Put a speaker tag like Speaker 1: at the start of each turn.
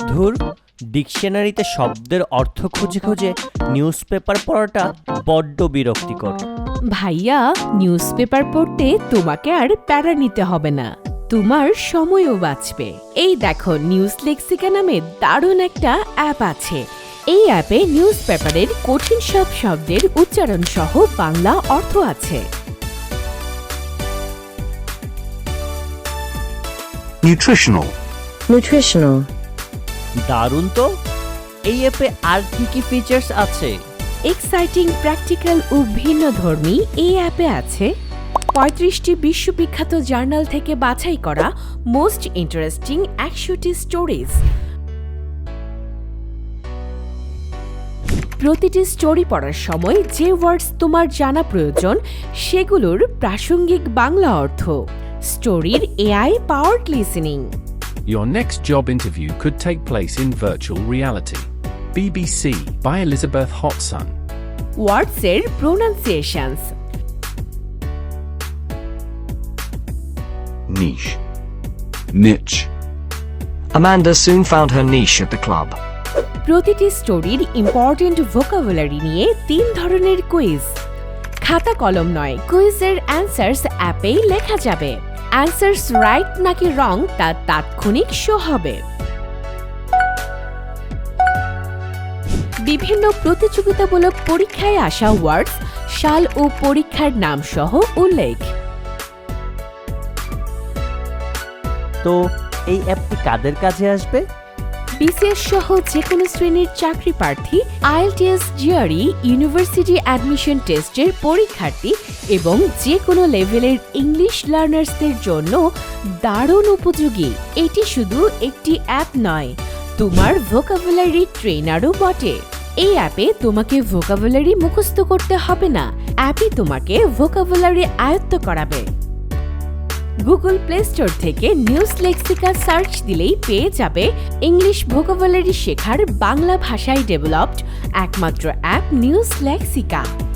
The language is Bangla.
Speaker 1: ধুর, ডিকশনারিতে শব্দের অর্থ খুঁজে খুঁজে নিউজ পেপার পড়াটা বড্ড বিরক্তিকর।
Speaker 2: ভাইয়া, নিউজ পেপার পড়তে তোমাকে আর প্যারা নিতে হবে না, তোমার সময়ও বাঁচবে। এই দেখো, নিউজ লেক্সিকা নামে দারুণ একটা অ্যাপ আছে। এই অ্যাপে নিউজ পেপারের কঠিন সব শব্দের উচ্চারণ সহ বাংলা অর্থ আছে।
Speaker 3: Nutritional.
Speaker 1: দারুণ তো! এই অ্যাপে আর কি কি ফিচার্স আছে?
Speaker 2: এক্সাইটিং, প্র্যাকটিক্যাল ও ভিন্নধর্মী এই অ্যাপে আছে 35টি বিশ্ববিখ্যাত জার্নাল থেকে বাছাই করা মোস্ট ইন্টারেস্টিং 100টি স্টোরিজ। প্রতিটি স্টোরি পড়ার সময় যে ওয়ার্ডস তোমার জানা প্রয়োজন সেগুলোর প্রাসঙ্গিক বাংলা অর্থ। স্টোরির AI powered listening.
Speaker 4: Your next job interview could take place in virtual reality. BBC by Elizabeth Hotson.
Speaker 2: ওয়ার্ডসের pronunciations.
Speaker 5: Niche. Niche.
Speaker 3: Amanda soon found her niche at the club.
Speaker 2: প্রতিটি স্টোরির ইম্পর্টেন্ট ভোকাবুলারি নিয়ে 3 ধরনের কুইজ। খাতা কলম নয়, কুইজের অ্যান্সার্স অ্যাপেই লেখা যাবে। অ্যান্সার্স রাইট নাকি রং তা তাৎক্ষণিক শো হবে। বিভিন্ন প্রতিযোগিতামূলক পরীক্ষায় আসা ওয়ার্ডস, সাল ও পরীক্ষার নাম সহ উল্লেখ।
Speaker 1: তো এই অ্যাপটি কাদের কাজে আসবে?
Speaker 2: বিসিএস সহ যে কোনো শ্রেণীর চাকরি প্রার্থী, আইএলটিএস, জিআরই, ইউনিভার্সিটি অ্যাডমিশন টেস্টের পরীক্ষার্থী এবং যে কোনো লেভেলের ইংলিশ লার্নার্সদের জন্য দারুণ উপযোগী। এটি শুধু একটি অ্যাপ নয়, তোমার ভোকাবুলারি ট্রেনারও বটে। এই অ্যাপে তোমাকে ভোকাবুলারি মুখস্থ করতে হবে না, অ্যাপই তোমাকে ভোকাবুলারি আয়ত্ত করাবে। গুগল প্লে স্টোর থেকে নিউজ লেক্সিকা সার্চ দিলেই পেয়ে যাবে ইংলিশ ভোকাবুলারি শেখার বাংলা ভাষায় ডেভেলপড একমাত্র অ্যাপ নিউজ লেক্সিকা।